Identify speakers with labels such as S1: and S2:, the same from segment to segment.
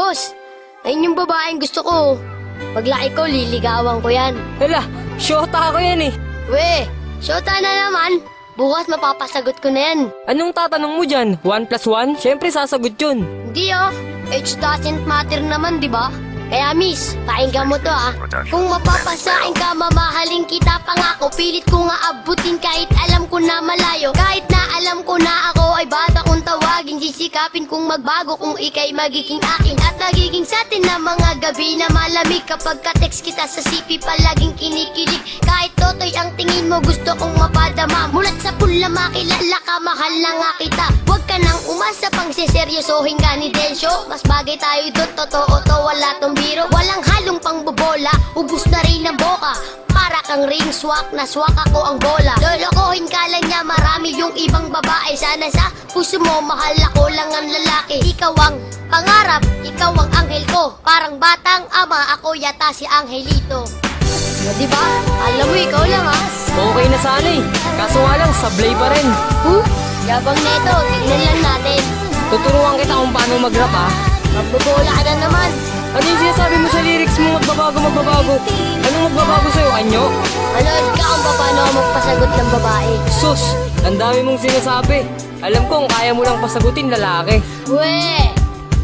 S1: Boss, ayun yung babaeng gusto ko. Paglaki ko, liligawan ko yan.
S2: Hala, syota ako yan eh.
S1: We, syota na naman. Bukas mapapasagot ko na yan.
S2: Anong tatanong mo dyan? 1 plus 1? Siyempre sasagot yun.
S1: Hindi oh, age doesn't matter naman, di ba? Kaya miss, pakinggan mo to ah. Kung mapapasain ka, mamahalin kita pangako. Pilit ko nga abutin kahit alam ko na malayo. Kahit na alam ko na ako ay bata kung tawagin. Sisikapin kung magbago kung ikay magiging akin. At nagiging sa atin na mga gabi na malamig. Kapag ka-text kita sa CP palaging kinikilig. Kahit totoy ang tingin mo gusto kong mapadama. Mulat sa pula makilala ka, mahal na nga kita. Huwag ka nang umasa pang siseryosohin ka ni Densyo. Mas bagay tayo doon, totoo to, wala tong biro. Walang halong pangbobola, ubus na rin ang boka. Para kang ring swak, na swak ako ang bola. Lolokohin ka lang niya, marami yung ibang babae. Sana sa puso mo, mahal ako lang ang lalaki. Ikaw ang pangarap, ikaw ang anghel ko. Parang batang ama, ako yata si Angelito. O diba? Alam mo, ikaw lang ha.
S2: Okay na sana eh. Kaso nga lang, sablay pa rin.
S1: Yabang neto, tignan lang natin.
S2: Tuturuan kita kung paano mag-rap ah.
S1: Magbobola ka na naman.
S2: Ano yung sinasabi mo sa lyrics mo? Magbabago. Anong magbabago sa'yo, anyo?
S1: Manood ka kung paano ako magpasagot ng babae.
S2: Sus, ang dami mong sinasabi. Alam ko kung kaya mo lang pasagutin lalaki.
S1: We!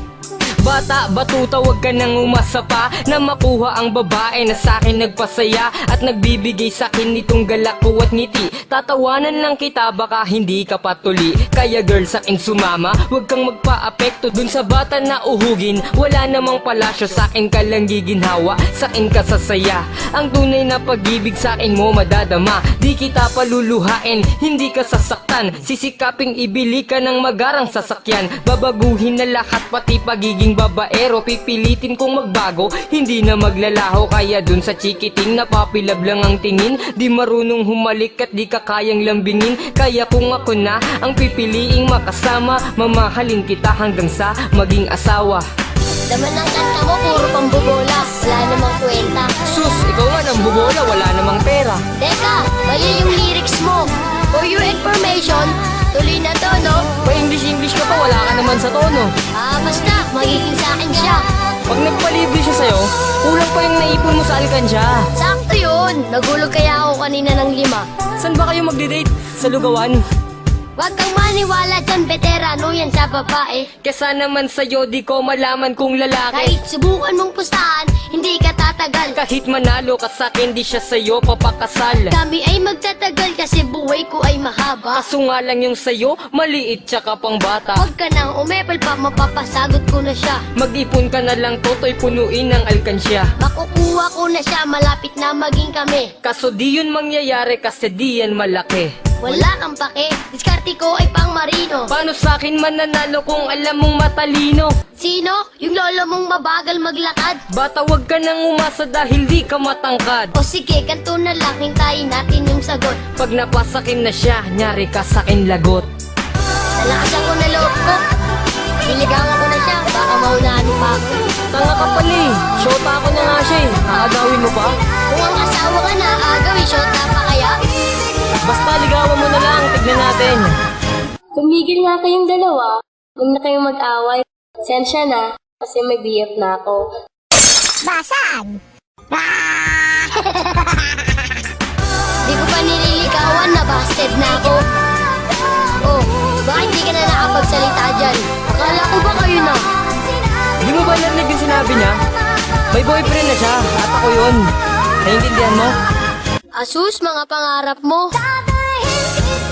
S2: Bata, batuta, wag ka nang umasa pa na makuha ang babae na sa'kin nagpasaya at nagbibigay sa'kin nitong galak ko at ngiti. Tatawanan lang kita, baka hindi ka patuli. Kaya girl, sa'kin sumama, wag kang magpa-apekto dun sa bata na uhugin. Wala namang palasyo, sa'kin ka lang giginhawa, sa'kin ka sasaya. Ang tunay na pag-ibig sa'kin mo madadama. Di kita paluluhain, hindi ka sasaktan. Sisikaping ibili ka ng magarang sasakyan. Babaguhin na lahat, pati pagiging babaero. Pipilitin kong magbago, hindi na maglalaho. Kaya dun sa chikiting napapilab lang ang tingin. Di marunong humalik at di ka kayang lambingin. Kaya kung ako na ang pipiliing makasama, mamahalin kita hanggang sa maging asawa.
S1: Laman ng kanta mo, puro pambobola. Wala namang kwenta.
S2: Sus, ikaw nga nang bubola, wala namang pera.
S1: Teka, mali yung lyrics mo. For your information, tuloy na to, no?
S2: Pa-English ka pa, wala ka naman sa tono.
S1: Basta, magiging sa akin siya.
S2: Pag nagpalibre siya sa'yo, kulang pa yung naipon mo sa alkansya.
S1: Sakto yun. Nagulog kaya ako kanina ng 5.
S2: Saan ba kayo magde-date? Sa lugawan?
S1: Huwag kang maniwala dyan, veterano yan sa babae.
S2: Kesa naman sa'yo, di ko malaman kung lalaki.
S1: Kahit subukan mong pustahan, hindi ka tatagal.
S2: Kahit manalo ka sa'kin, di siya sa'yo papakasal.
S1: Kami ay magtatagal kasi buhay ko ay mahaba.
S2: Kaso nga lang yung sa'yo, maliit tsaka pang bata.
S1: Huwag ka nang umepal pa, mapapasagot ko na siya.
S2: Mag-ipon ka na lang, toto'y punuin ng alkansya.
S1: Makukuha ko na siya, malapit na maging kami.
S2: Kaso di yun mangyayari kasi di yan malaki.
S1: Wala kang pake, diskarte ko ay pang marino.
S2: Paano sa'kin mananalo kung alam mong matalino?
S1: Sino? Yung lolo mong mabagal maglakad?
S2: Bata, wag ka nang umasa dahil di ka matangkad.
S1: O sige, ganito na lang, hintayin natin yung sagot.
S2: Pag napasakin na siya, nyari ka sa'kin lagot.
S1: Nalakasan ko na loob ko. Niligawan ko na siya, baka maunahan pa ako.
S2: Tanga ka pala eh, shota ako na nga siya eh. Aagawin mo pa?
S1: Kung ang asawa ka na, agawin shota pa kaya?
S2: Basta ligawan mo na lang, tignan natin.
S3: Tumigil nga kayong dalawa. Huwag na kayong mag-away. Sensya na, kasi may BF na ako.
S1: Di ko pa nililigawan na busted na ako. Oh, bakit di ka na nakapagsalita dyan? Akala ko ba kayo na?
S2: Di mo ba narinig yung sinabi niya? May boyfriend na siya, at ako yun. Naiintindihan mo?
S1: Asus, mga pangarap mo.